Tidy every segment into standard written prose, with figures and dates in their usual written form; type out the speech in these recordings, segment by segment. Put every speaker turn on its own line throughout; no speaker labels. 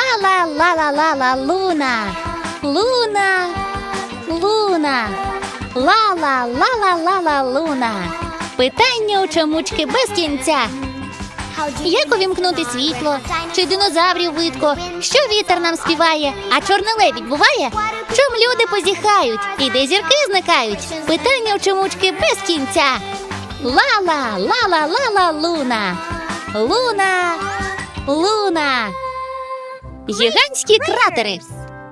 Ла-ла-ла-ла-ла-ла, Луна. Луна. Луна. Ла-ла-ла-ла-ла-ла, Луна. Питання у чомучки без кінця. Як увімкнути світло? Чи динозаврів видко? Що вітер нам співає? А чорний лебідь буває? Чом люди позіхають? І де зірки зникають? Питання у чомучки без кінця. Ла-ла, ла-ла-ла-ла, Луна. Луна. Луна. Гігантські кратери.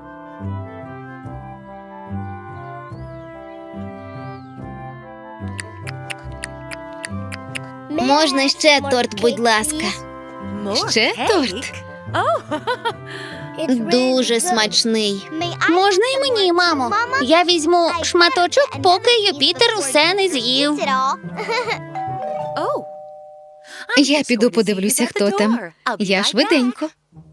Можна ще торт, будь ласка.
Ще торт?
Дуже смачний. Можна і мені, мамо. Я візьму шматочок, поки Юпітер усе не з'їв.
Я піду подивлюся, хто там. Я швиденько.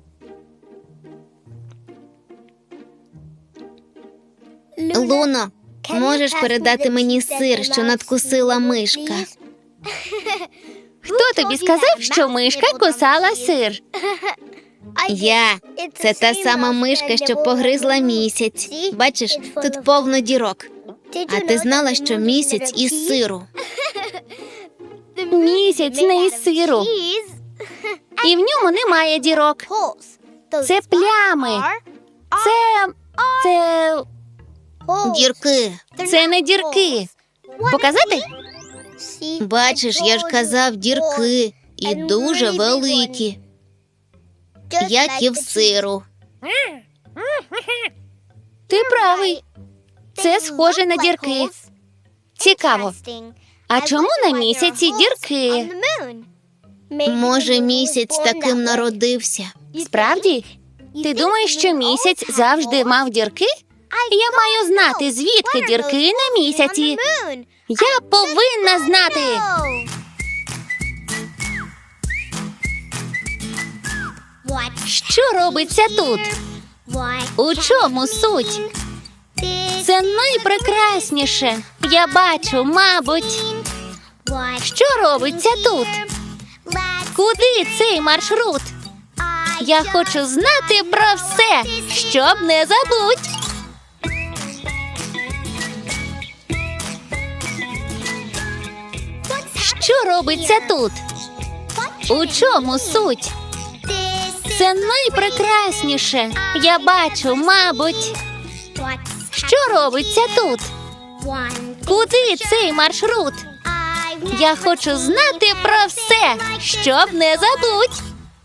Луно, можеш передати мені сир, що надкусила мишка? Хто тобі сказав, що мишка кусала сир? Я. Це та сама мишка, що погризла місяць. Бачиш, тут повно дірок. А ти знала, що місяць із сиру? Місяць не із сиру. І в ньому немає дірок. Це плями. Це... Дірки. Це не дірки. Показати? Бачиш, я ж казав, дірки. І дуже великі. Як і в сиру. Ти правий. Це схоже на дірки. Цікаво. А чому на місяці дірки? Може, місяць таким народився? Справді? Ти думаєш, що місяць завжди мав дірки? Я маю знати, звідки дірки на місяці. Я повинна знати. Що робиться тут? У чому суть? Це найпрекрасніше. Я бачу, мабуть. Що робиться тут? Куди цей маршрут? Я хочу знати про все, щоб не забудь. Що робиться тут? У чому суть? Це найпрекрасніше. Я бачу, мабуть. Що робиться тут? Куди цей маршрут? Я хочу знати про все, щоб не забудь.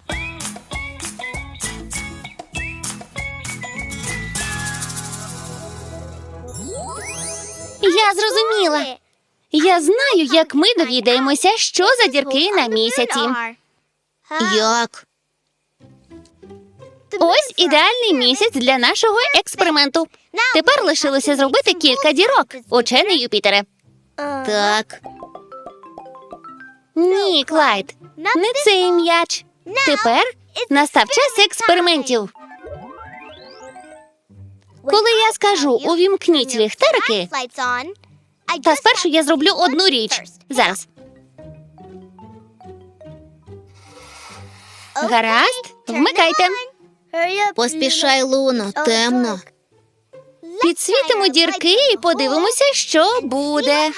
Я зрозуміла. Я знаю, як ми довідаємося, що за дірки на місяці. Як? Ось ідеальний місяць для нашого експерименту. Тепер лишилося зробити кілька дірок, учений Юпітере. Так. Ні, Клайд, не цей м'яч. Тепер настав час експериментів. Коли я скажу «увімкніть ліхтарики», та спершу я зроблю одну річ. Зараз. Гаразд, вмикайте. Поспішай, Луно, темно. Підсвітимо дірки і подивимося, що буде.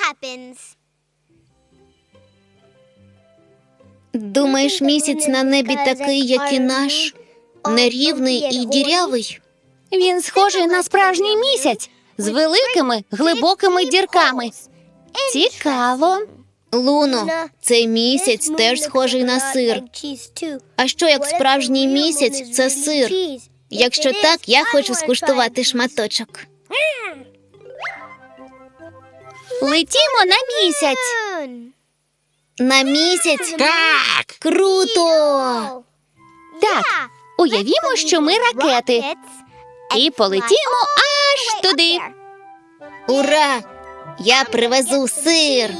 Думаєш, місяць на небі такий, як і наш? Нерівний і дірявий? Він схожий на справжній місяць. З великими, глибокими дірками. Цікаво. Луно, цей місяць теж схожий на сир. А що, як справжній місяць – це сир? Якщо так, я хочу скуштувати шматочок. Летімо на місяць. На місяць?
Так!
Круто! Так, уявімо, що ми ракети. І полетімо аж туди. Ура! Я привезу сир.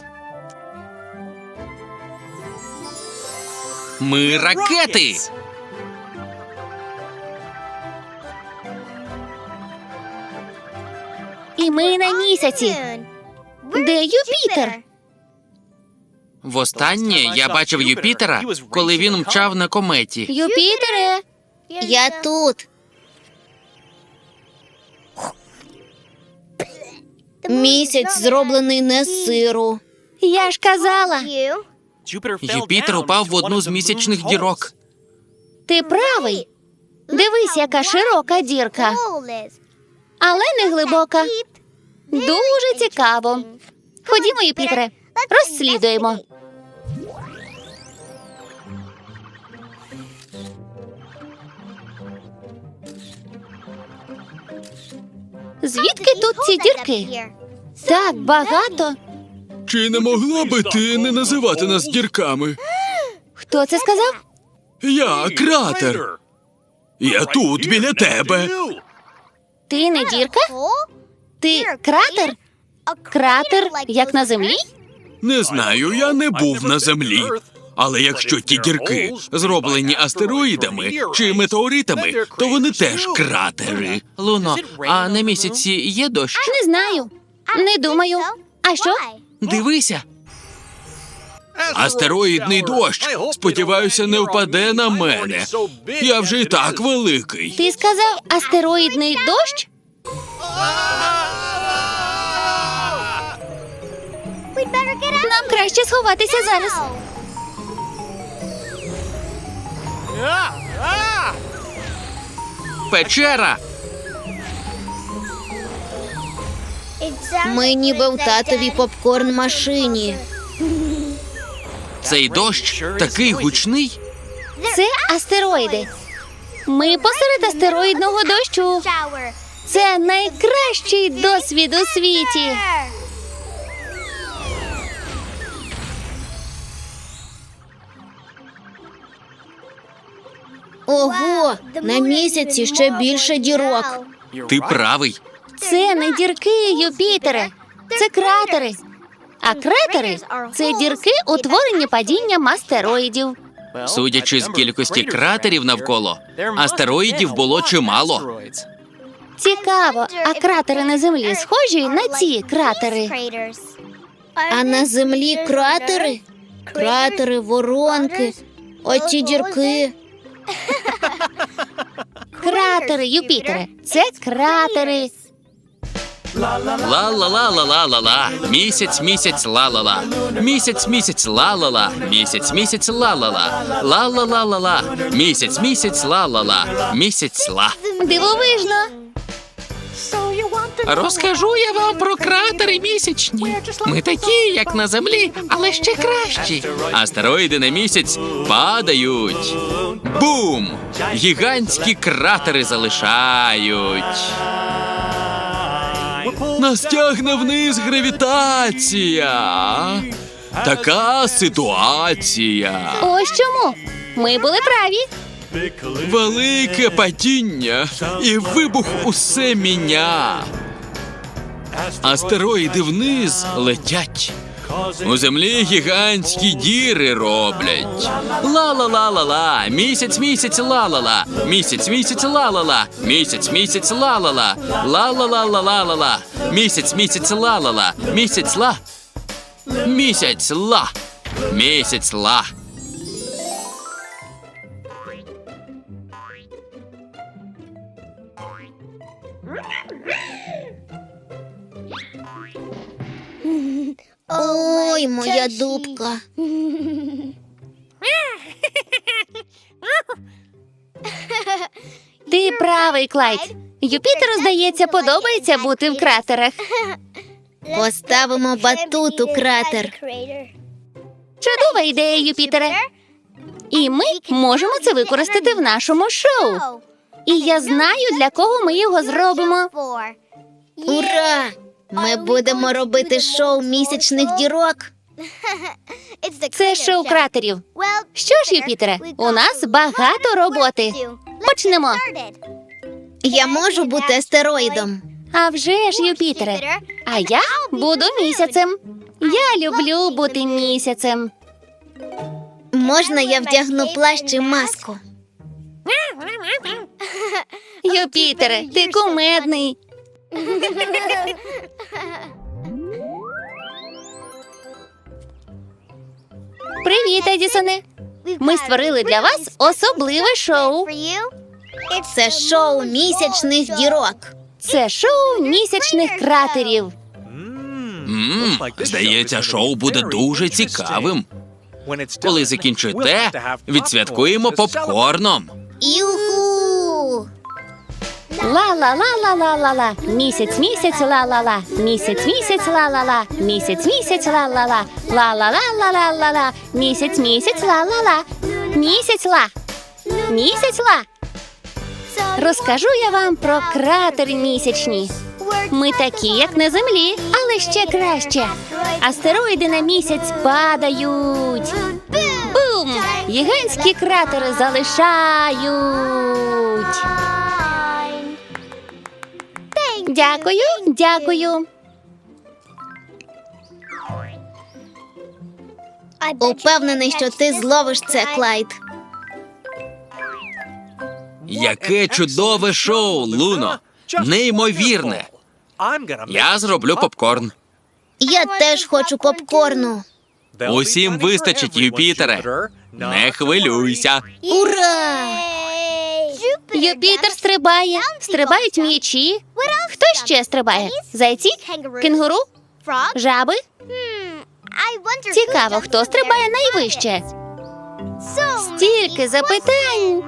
Ми ракети!
І ми на місяці. Де Юпітер?
Востаннє я бачив Юпітера, коли він мчав на кометі.
Юпітере,
Я тут. Місяць зроблений не з сиру.
Я ж казала.
Юпітер упав в одну з місячних дірок.
Ти правий. Дивись, яка широка дірка. Але не глибока. Дуже цікаво. Ходімо, Юпітере, розслідуємо. Звідки тут ці дірки? Так багато.
Чи не могла би ти не називати нас дірками?
Хто це сказав?
Я кратер. Я тут, біля тебе.
Ти не дірка? Ти кратер? Кратер, як на землі?
Не знаю, я не був на землі. Але якщо ті дірки зроблені астероїдами чи метеоритами, то вони теж кратери.
Луно, а на місяці є дощ?
Не знаю. Не думаю. А що?
Дивися.
Астероїдний дощ, сподіваюся, не впаде на мене. Я вже і так великий.
Ти сказав астероїдний дощ? Нам краще сховатися зараз.
Печера!
Ми ніби в татовій попкорн-машині.
Цей дощ такий гучний.
Це астероїди. Ми посеред астероїдного дощу. Це найкращий досвід у світі.
Ого, на місяці ще більше дірок.
Ти правий.
Це не дірки, Юпітере. Це кратери. А кратери – це дірки, утворені падінням астероїдів.
Судячи з кількості кратерів навколо, астероїдів було чимало.
Цікаво, а кратери на землі схожі на ці кратери?
А на землі кратери? Кратери, воронки, оці дірки.
Кратери, Юпітере. Це кратери.
Ла-ла-ла-ла-ла-ла-ла-ла. Місяць, місяць, ла-ла-ла. Місяць, місяць, ла-ла-ла. Місяць, місяць, ла-ла-ла. Ла-ла-ла-ла-ла. Місяць, місяць, ла-ла-ла. Місяць, ла.
Дивовижно.
Розкажу я вам про кратери місячні. Ми такі, як на землі, але ще кращі. Астероїди на місяць падають. Бум! Гігантські кратери залишають.
Нас тягне вниз гравітація. Така ситуація.
Ось чому. Ми були праві.
Велике падіння і вибух усе міня. Астероїди вниз летять. У землі гігантські діри роблять.
Ла-ла-ла-ла-ла. Місяць, місяць, ла-ла-ла. Місяць, місяць, ла-ла-ла. Місяць, місяць, ла-ла-ла. Ла-ла-ла-ла-ла-ла. Місяць, місяць, ла-ла-ла. Місяць, ла. Місяць, ла. Місяць, ла.
Ой, моя дубка.
Ти правий, Клайд. Юпітеру, здається, подобається бути в кратерах.
Поставимо батут у кратер.
Чудова ідея, Юпітере. І ми можемо це використати в нашому шоу. І я знаю, для кого ми його зробимо.
Ура! Ми будемо робити шоу місячних дірок.
Це шоу кратерів. Що ж, Юпітере, у нас багато роботи. Почнемо.
Я можу бути астероїдом.
А вже ж, Юпітере. А я буду місяцем. Я люблю бути місяцем.
Можна я вдягну плащ і маску?
Юпітере, ти кумедний. Привіт, Едісоне. Ми створили для вас особливе шоу.
Це шоу місячних дірок.
Це шоу місячних кратерів.
Здається, шоу буде дуже цікавим. Коли закінчите, відсвяткуємо попкорном.
Юху!
Ла-ла-ла-ла-ла-ла-ла. Місяць, місяць, ла-ла-ла. Місяць, місяць, ла-ла-ла. Місяць, місяць, ла-ла-ла. Ла-ла-ла-ла-ла-ла. Місяць, місяць, ла-ла-ла. Місяць, ла. Місяць, ла. Розкажу я вам про кратери місячні. Ми такі, як на землі, але ще краще. Астероїди на місяць падають. Бум! Гігантські кратери залишають. Дякую, дякую.
Упевнений, що ти зловиш це, Клайд.
Яке чудове шоу, Луно! Неймовірне! Я зроблю попкорн.
Я теж хочу попкорну.
Усім вистачить, Юпітере. Не хвилюйся.
Ура!
Юпітер стрибає. Стрибають м'ячі. Хто ще стрибає? Зайці? Кенгуру? Жаби? Цікаво, хто стрибає найвище? Стільки запитань.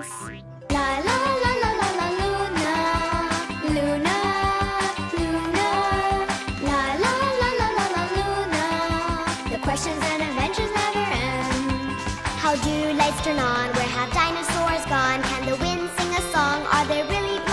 Questions and adventures never end. How do lights turn on? Where have dinosaurs gone? Can the wind sing a song? Are there really